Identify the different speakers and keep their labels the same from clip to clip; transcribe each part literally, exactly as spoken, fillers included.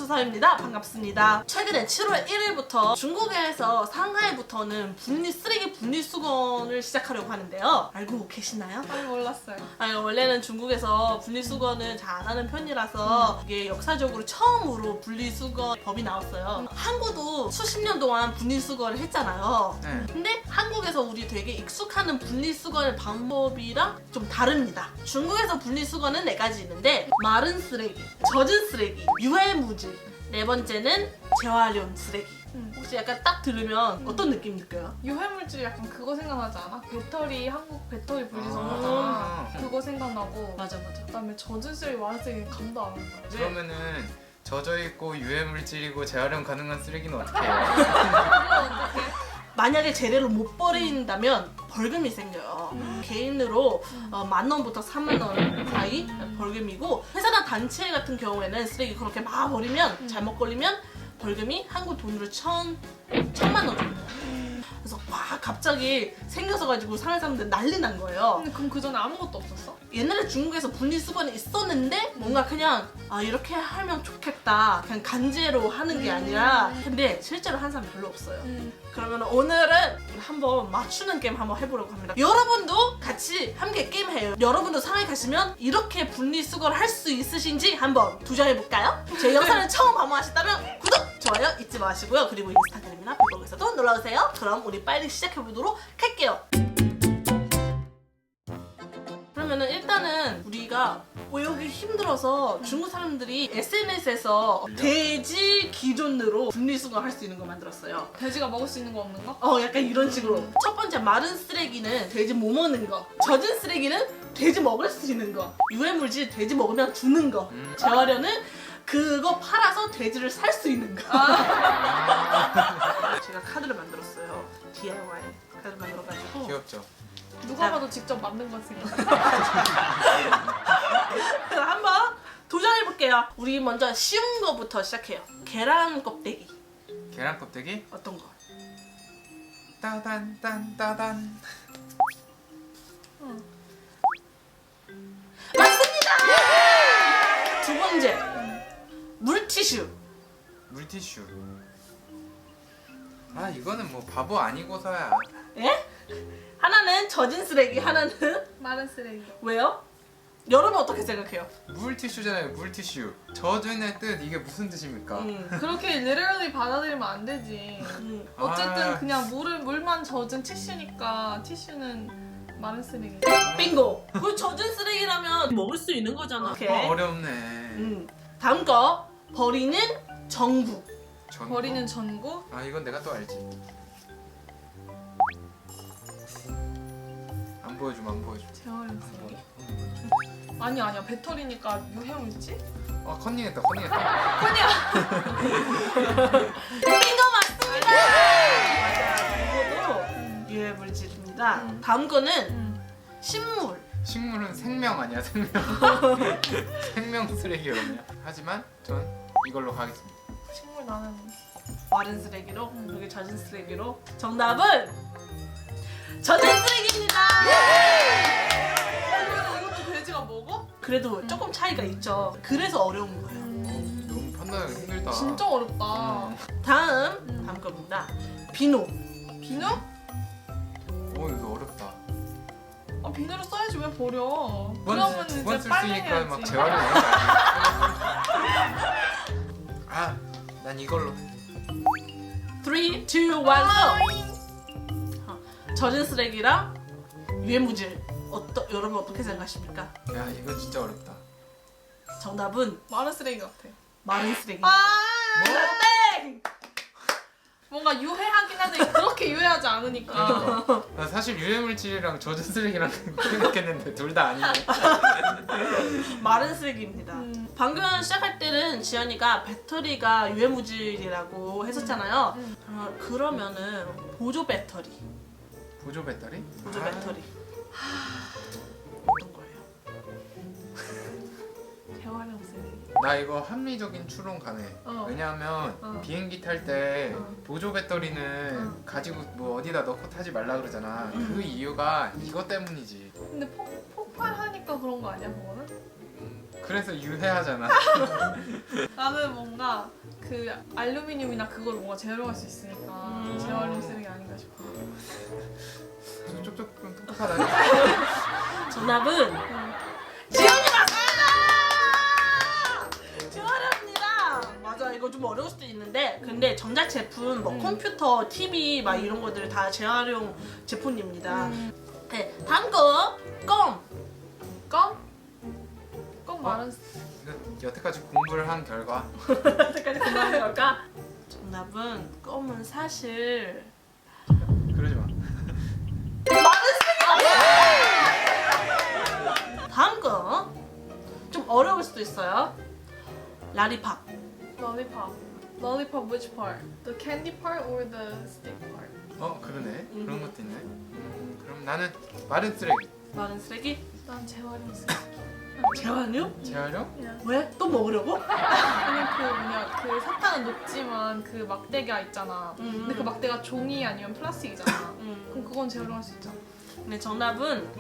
Speaker 1: 서서입니다. 반갑습니다. 최근에 칠월 일일부터 중국에서 상하이부터는 분리 쓰레기 분리수거를 시작하려고 하는데요. 알고 계시나요?
Speaker 2: 아니 몰랐어요.
Speaker 1: 아니, 원래는 중국에서 분리수거는 잘 안 하는 편이라서 이게 역사적으로 처음으로 분리수거 법이 나왔어요. 한국도 수십 년 동안 분리수거를 했잖아요.
Speaker 3: 네.
Speaker 1: 근데 한국에서 우리 되게 익숙하는 분리수거 방법이랑 좀 다릅니다. 중국에서 분리수거는 네 가지 있는데 마른 쓰레기, 젖은 쓰레기, 유해무질, 네 번째는 재활용 쓰레기.
Speaker 2: 음.
Speaker 1: 혹시 약간 딱 들으면 어떤 느낌 느껴요?
Speaker 2: 유해물질 약간 그거 생각나지 않아? 배터리 한국 배터리 분리수거
Speaker 3: 아.
Speaker 2: 하잖아. 그거 생각나고.
Speaker 1: 맞아 맞아.
Speaker 2: 그다음에 젖은 쓰레기, 마른 쓰레기 감도 안 온다.
Speaker 3: 그러면은 젖어있고 유해물질이고 재활용 가능한 쓰레기는 어떻게 해요?
Speaker 2: 어떡해?
Speaker 1: 만약에 재래로 못 버린다면 벌금이 생겨요.
Speaker 2: 음.
Speaker 1: 개인으로 어, 만 원부터 삼만 원 사이 벌금이고, 회사나 단체 같은 경우에는 쓰레기 그렇게 막 버리면
Speaker 2: 음.
Speaker 1: 잘못 걸리면 벌금이 한국 돈으로 천, 천만 원 정도. 그래서 와 갑자기 생겨서 가지고 상해 사람들 난리 난 거예요.
Speaker 2: 근데 그럼 그 전에 아무것도 없었어?
Speaker 1: 옛날에 중국에서 분리수거는 있었는데 뭔가 그냥 아 이렇게 하면 좋겠다 그냥 간제로 하는 게 아니라, 근데 실제로 한 사람 별로 없어요.
Speaker 2: 음.
Speaker 1: 그러면 오늘은 한번 맞추는 게임 한번 해보려고 합니다. 여러분도 같이 함께 게임 해요. 여러분도 상하이 가시면 이렇게 분리수거를 할 수 있으신지 한번 도전해볼까요? 제 영상을 처음 방문하셨다면 구독! 좋아요 잊지 마시고요. 그리고 인스타그램이나 블로그에서도 놀러오세요. 그럼 우리 빨리 시작해보도록 할게요. 그러면은 일단은 우리가 외우기 힘들어서 중국 사람들이 에스엔에스에서 돼지 기준으로 분리수거 할 수 있는 거 만들었어요.
Speaker 2: 돼지가 먹을 수 있는 거 없는 거?
Speaker 1: 어 약간 이런 식으로. 첫 번째 마른 쓰레기는 돼지 못 먹는 거, 젖은 쓰레기는 돼지 먹을 수 있는 거, 유해물질 돼지 먹으면 주는 거,
Speaker 3: 음.
Speaker 1: 재활용은 그거 팔아서 돼지를 살 수 있는 거.
Speaker 2: 아.
Speaker 1: 제가 카드를 만들었어요. 디아이와이 카드 만들어가지고.
Speaker 3: 귀엽죠?
Speaker 2: 누가
Speaker 1: 자.
Speaker 2: 봐도 직접 만든 것 생각.
Speaker 1: 그럼 한번 도전해볼게요. 우리 먼저 쉬운 거부터 시작해요. 계란 껍데기.
Speaker 3: 계란 껍데기?
Speaker 1: 어떤 거?
Speaker 3: 따단 딴 따단.
Speaker 2: 응.
Speaker 1: 맞습니다! 두 번째, 물티슈.
Speaker 3: 물티슈. 아 이거는 뭐 바보 아니고서야.
Speaker 1: 예? 하나는 젖은 쓰레기, 하나는
Speaker 2: 마른 쓰레기.
Speaker 1: 왜요? 여러분 어떻게 생각해요?
Speaker 3: 물티슈잖아요. 물티슈. 젖은의 뜻 이게 무슨 뜻입니까?
Speaker 1: 음,
Speaker 2: 그렇게 literally 받아들이면 안 되지.
Speaker 1: 음.
Speaker 2: 어쨌든
Speaker 3: 아.
Speaker 2: 그냥 물을 물만 젖은 티슈니까 티슈는 마른 쓰레기.
Speaker 1: 빙고! 그 젖은 쓰레기라면 먹을 수 있는 거잖아. 오케이.
Speaker 3: 어, 어렵네.
Speaker 1: 음. 다음 거, 버리는 전구.
Speaker 3: 전구?
Speaker 2: 버리는 전구.
Speaker 3: 아 이건 내가 또 알지. 안 보여주면 안 보여줘.
Speaker 2: 재활용 쓰레기. 아니 아니야 배터리니까 유해물질?
Speaker 3: 아 컨닝했다 컨닝했다.
Speaker 1: 빙고 맞습니다! 이거도 유해물질입니다.
Speaker 3: 음.
Speaker 1: 다음 거는
Speaker 2: 응.
Speaker 1: 식물.
Speaker 3: 식물은 생명 아니야 생명. 생명 쓰레기거든요. 하지만 전 이걸로 가겠습니다.
Speaker 2: 식물 나는
Speaker 1: 마른 쓰레기로, 여기 젖은 쓰레기로. 정답은 젖은 쓰레기입니다!
Speaker 2: 그러면 이것도 돼지가 먹어?
Speaker 1: 그래도 조금 차이가 있죠. 그래서 어려운 거예요.
Speaker 2: 음.
Speaker 3: 너무 판단하기 힘들다.
Speaker 2: 진짜 어렵다.
Speaker 3: 음.
Speaker 1: 다음, 다음 겁니다. 비누.
Speaker 2: 비누?
Speaker 3: 오 이거 어렵다.
Speaker 2: 아 비누를 써야지 왜 버려?
Speaker 3: 두번
Speaker 2: 이제
Speaker 3: 두번 쓸 수
Speaker 2: 빨리
Speaker 3: 있으니까 막
Speaker 2: 해야지.
Speaker 3: 재활용 해야지. 아, 난 이걸로.
Speaker 1: 삼, 이, 일, go! 어, 젖은 쓰레기랑 유해무질. 어떠, 여러분 어떻게 생각하십니까?
Speaker 3: 야 이거 진짜 어렵다.
Speaker 1: 정답은
Speaker 2: 마른 쓰레기 같아.
Speaker 1: 마른 쓰레기.
Speaker 2: 아
Speaker 1: 땡!
Speaker 2: 뭔가 유해하긴 한데 그렇게 유해하지 않으니까.
Speaker 3: 나 사실 유해물질이랑 젖은 쓰레기랑 생각했는데 둘 다 아니네.
Speaker 1: 마른 쓰레기입니다.
Speaker 2: 음.
Speaker 1: 방금 시작할 때는 지연이가 배터리가 유해무질이라고 했었잖아요.
Speaker 2: 음.
Speaker 1: 어, 그러면은 보조 배터리.
Speaker 3: 보조 배터리?
Speaker 1: 보조
Speaker 3: 아,
Speaker 1: 배터리. 어떤 거예요?
Speaker 2: 재활용 쓰레기.
Speaker 3: 나 이거 합리적인 추론 가능해.
Speaker 2: 어.
Speaker 3: 왜냐하면
Speaker 2: 어.
Speaker 3: 비행기 탈 때
Speaker 2: 어.
Speaker 3: 보조 배터리는
Speaker 2: 어.
Speaker 3: 가지고 뭐 어디다 넣고 타지 말라 그러잖아.
Speaker 1: 음.
Speaker 3: 그 이유가 이것 때문이지.
Speaker 2: 근데 폭, 폭발하니까 그런 거 아니야 그거는?
Speaker 3: 그래서 유해하잖아.
Speaker 2: 나는 뭔가 그 알루미늄이나 그걸 뭔가 재활용할 수 있으니까
Speaker 1: 음.
Speaker 2: 재활용 쓰레기 아닌가 싶어.
Speaker 3: 쪽쪽좀 똑똑하다.
Speaker 1: 정답은
Speaker 2: 응.
Speaker 1: 지연이 맞습니다. 지연입니다. 맞아, 이거 좀 어려울 수도 있는데 근데 전자 제품, 뭐
Speaker 2: 음.
Speaker 1: 컴퓨터, 티비 막 이런 것들 다 재활용 제품입니다.
Speaker 2: 음.
Speaker 1: 네, 다음 거 껌.
Speaker 2: 껌? 껌
Speaker 3: 어?
Speaker 2: 말은
Speaker 3: 이거 여태까지 공부를 한 결과
Speaker 1: 여태까지 공부한 걸까? 정답은 껌은 사실
Speaker 3: 그러지 마.
Speaker 1: 다음 거 좀 어려울 수도 있어요. 라리팝.
Speaker 2: lollipop. lollipop which part? The candy part or the stick part?
Speaker 3: 어 그러네.
Speaker 1: 음.
Speaker 3: 그런 것도 있네. 음, 그럼 나는 마른 쓰레기.
Speaker 1: 마른 쓰레기?
Speaker 2: 난 재활용 쓰레기.
Speaker 1: 재활용?
Speaker 3: 재활용?
Speaker 2: 그냥
Speaker 1: 왜? 또 먹으려고?
Speaker 2: 그냥 그 뭐냐 그 사탕은 녹지만 그 막대가 있잖아.
Speaker 1: 음.
Speaker 2: 근데 그 막대가 종이 아니면 플라스틱이잖아.
Speaker 1: 음.
Speaker 2: 그럼 그건 재활용할 수 있잖아.
Speaker 1: 근데 정답은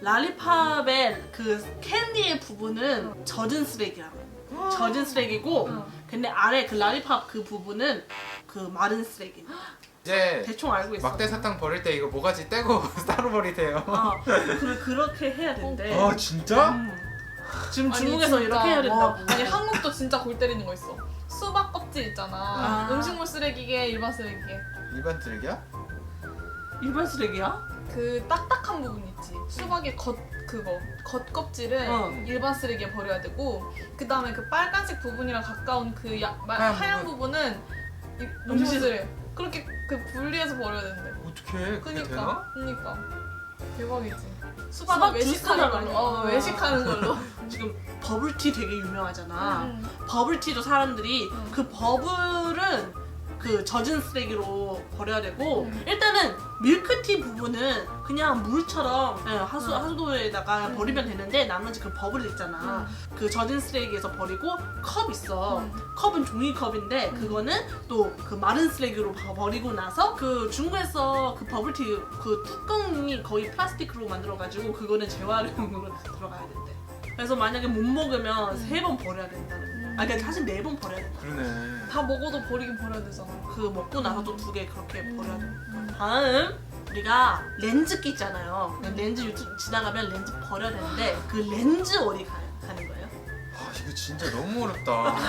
Speaker 1: 라리팝의 그 캔디의 부분은 젖은 쓰레기야. 젖은 쓰레기고
Speaker 2: 응.
Speaker 1: 근데 아래 그 라리팝 그 부분은 그 마른 쓰레기.
Speaker 3: 이제
Speaker 1: 대충 알고 있어.
Speaker 3: 막대 사탕 버릴 때 이거 모가지 떼고 따로 버리세요.
Speaker 1: 어, 그, 그렇게 해야 된대.
Speaker 3: 아 진짜?
Speaker 1: 음. 지금
Speaker 2: 아니,
Speaker 1: 중국에서
Speaker 2: 진짜.
Speaker 1: 이렇게 해야 된다고.
Speaker 2: 와, 아니 한국도 진짜 골 때리는 거 있어. 수박 껍질 있잖아.
Speaker 1: 아.
Speaker 2: 음식물 쓰레기계, 일반 쓰레기계.
Speaker 3: 일반 쓰레기야?
Speaker 1: 일반 쓰레기야?
Speaker 2: 그 딱딱한 부분 있지. 수박의 겉 그거 겉 껍질은
Speaker 1: 어.
Speaker 2: 일반 쓰레기에 버려야 되고 그 다음에 그 빨간색 부분이랑 가까운 그 야, 마,
Speaker 3: 하얀
Speaker 2: 하얀,
Speaker 3: 부분.
Speaker 2: 부분은 이-
Speaker 1: 음식-
Speaker 2: 음식물 쓰레기. 그렇게 그 분리해서 버려야 된대.
Speaker 3: 어떻게 그게
Speaker 2: 그니까,
Speaker 3: 되나?
Speaker 2: 그니까 대박이지.
Speaker 1: 수박
Speaker 2: 수박은
Speaker 1: 주스
Speaker 2: 외식하는 걸로.
Speaker 1: 나가는
Speaker 2: 어,
Speaker 1: 거.
Speaker 2: 외식하는 걸로.
Speaker 1: 지금 버블티 되게 유명하잖아.
Speaker 2: 음.
Speaker 1: 버블티도 사람들이
Speaker 2: 음.
Speaker 1: 그 버블은 그 젖은 쓰레기로 버려야 되고
Speaker 2: 음.
Speaker 1: 일단은 밀크티 부분은 그냥 물처럼 예, 하수,
Speaker 2: 음.
Speaker 1: 하수도에다가
Speaker 2: 음.
Speaker 1: 버리면 되는데 나머지 그 버블 있잖아. 그 젖은 쓰레기에서 버리고 컵 있어.
Speaker 2: 음.
Speaker 1: 컵은 종이컵인데
Speaker 2: 음.
Speaker 1: 그거는 또 그 마른 쓰레기로 버- 버리고 나서 그 중국에서 그 버블티 그 뚜껑이 거의 플라스틱으로 만들어가지고 그거는 재활용으로 들어가야 된대. 그래서 만약에 못 먹으면
Speaker 2: 음.
Speaker 1: 세 번 버려야 된다는 거야. 아, 그러니까 사실 네 번 버려야 된다.
Speaker 3: 그러네.
Speaker 2: 다 먹어도 버리긴 버려야 되잖아.
Speaker 1: 그 먹고 나서 또 두 개 그렇게 버려야 돼.
Speaker 2: 음.
Speaker 1: 다음 우리가 렌즈기 있잖아요.
Speaker 2: 음.
Speaker 1: 렌즈 유튜브 지나가면 렌즈 버려야 되는데 그 렌즈 어디 가, 가는 거예요?
Speaker 3: 아 이거 진짜 너무 어렵다.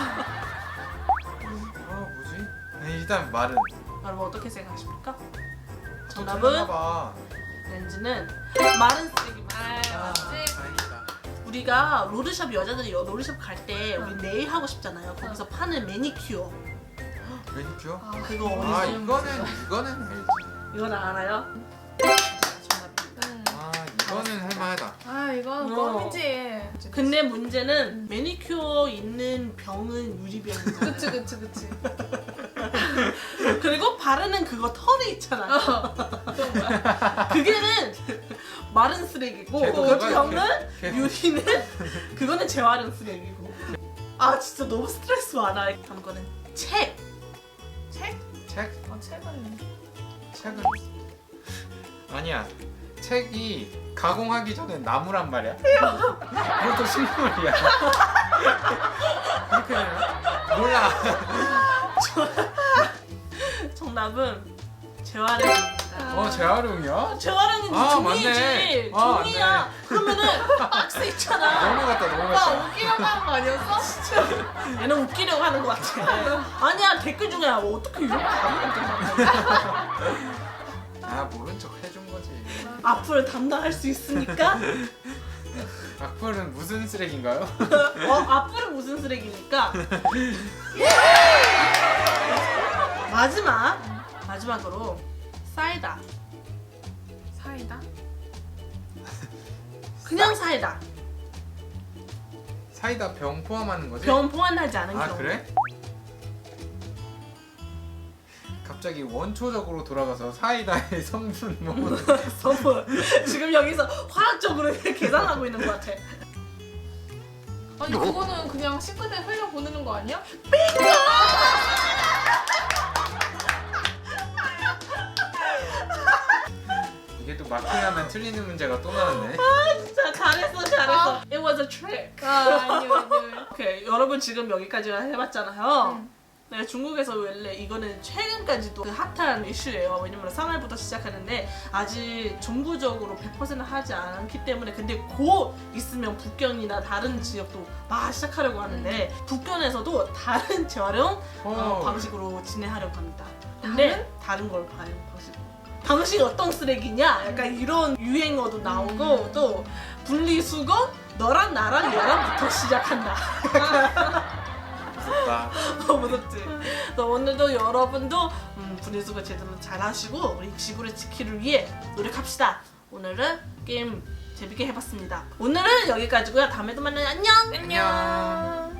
Speaker 3: 아 뭐지? 아니, 일단 말은
Speaker 1: 여러분 어떻게 생각하십니까?
Speaker 3: 좀
Speaker 1: 정답은
Speaker 3: 틀렸나봐.
Speaker 1: 렌즈는 마른 쓰레기만.
Speaker 3: 아
Speaker 2: 맞지?
Speaker 3: 다행이다.
Speaker 1: 우리가 롤샵 여자들이 여- 롤샵 갈 때 우리
Speaker 2: 응.
Speaker 1: 네일 하고 싶잖아요. 거기서 파는 매니큐어
Speaker 3: 매니큐어?
Speaker 2: 아,
Speaker 1: 그거
Speaker 3: 아
Speaker 1: 어디
Speaker 3: 이거는 이거는 알지.
Speaker 1: 이건 알아요? 정답.
Speaker 2: 음.
Speaker 3: 아 이거는 할만하다.
Speaker 2: 아 이건
Speaker 1: 어.
Speaker 2: 껌이지.
Speaker 1: 근데 문제는 매니큐어 있는 병은 유리병이잖아.
Speaker 2: 그치 그치 그치.
Speaker 1: 그리고 바르는 그거 털이 있잖아.
Speaker 2: 어. 그건 뭐야?
Speaker 1: 그게는 마른 쓰레기고
Speaker 3: 걔도
Speaker 1: 그
Speaker 3: 그거야,
Speaker 1: 병은
Speaker 3: 걔- 걔-
Speaker 1: 유리는 그거는 재활용 쓰레기고. 아 진짜 너무 스트레스 많아. 다음 거는 책.
Speaker 2: 책?
Speaker 3: 책?
Speaker 2: 아 책은
Speaker 3: 책은 아니야. 책이 가공하기 전에 나무란 말이야. 그것도 식물이야. 그렇게 되나? 몰라.
Speaker 1: 정답은 재활용입니다.
Speaker 3: 어 재활용이야?
Speaker 1: 재활용은
Speaker 3: 아,
Speaker 1: 종이지.
Speaker 3: 맞네. 아,
Speaker 1: 종이야. 그러면은 박스 있잖아.
Speaker 3: 너무 같다 너무
Speaker 2: 오빠
Speaker 3: 같다.
Speaker 2: 웃기려고 하는 거 아니었어?
Speaker 1: 얘는 웃기려고 하는 것 같아. 아니야 댓글 중에 어떻게 이렇게 아무것도
Speaker 3: 아 모른 척 해준 거지.
Speaker 1: 앞으로 담당할 수 있으니까.
Speaker 3: 악플은 무슨 쓰레기인가요?
Speaker 1: 어 앞으로 무슨 쓰레기니까. 마지막 마지막으로 사이다.
Speaker 2: 사이다?
Speaker 1: 그냥 사이다.
Speaker 3: 사이다 병 포함하는 거지?
Speaker 1: 병 포함하지 않은
Speaker 3: 아
Speaker 1: 경우.
Speaker 3: 그래? 갑자기 원초적으로 돌아가서 사이다의 성분 뭐
Speaker 1: 선물. 지금 여기서 화학적으로 계산하고 있는 것 같아.
Speaker 2: 아니 그거는 그냥 싱크대에 흘려 보내는 거 아니야?
Speaker 3: 이게 또 마킹하면 틀리는 문제가 또 나왔네.
Speaker 1: 진짜 잘했어 잘했어. It was a trick.
Speaker 2: 아 아니요 아니요.
Speaker 1: 오케이 여러분 지금 여기까지 해봤잖아요.
Speaker 2: 응.
Speaker 1: 네, 중국에서 원래 이거는 최근까지도 그 핫한 이슈예요. 왜냐면 상하이부터 시작하는데 아직 정부적으로 백 퍼센트 하지 않기 때문에 근데 곧 있으면 북경이나 다른 지역도 막 시작하려고 하는데 북경에서도 다른 재활용 어,
Speaker 3: 오.
Speaker 1: 방식으로 진행하려고 합니다. 근데 다른 걸 봐요 방식으로. 당신 어떤 쓰레기냐? 약간 이런 유행어도 나오고 또 분리수거 너랑 나랑 얘랑부터 시작한다.
Speaker 3: 무섭다.
Speaker 1: 어, 무섭지? 그래서 오늘도 여러분도 음, 분리수거 제대로 잘 하시고 우리 지구를 지키기 위해 노력합시다. 오늘은 게임 재밌게 해봤습니다. 오늘은 여기까지고요. 다음에도 만나요. 안녕!
Speaker 3: 안녕.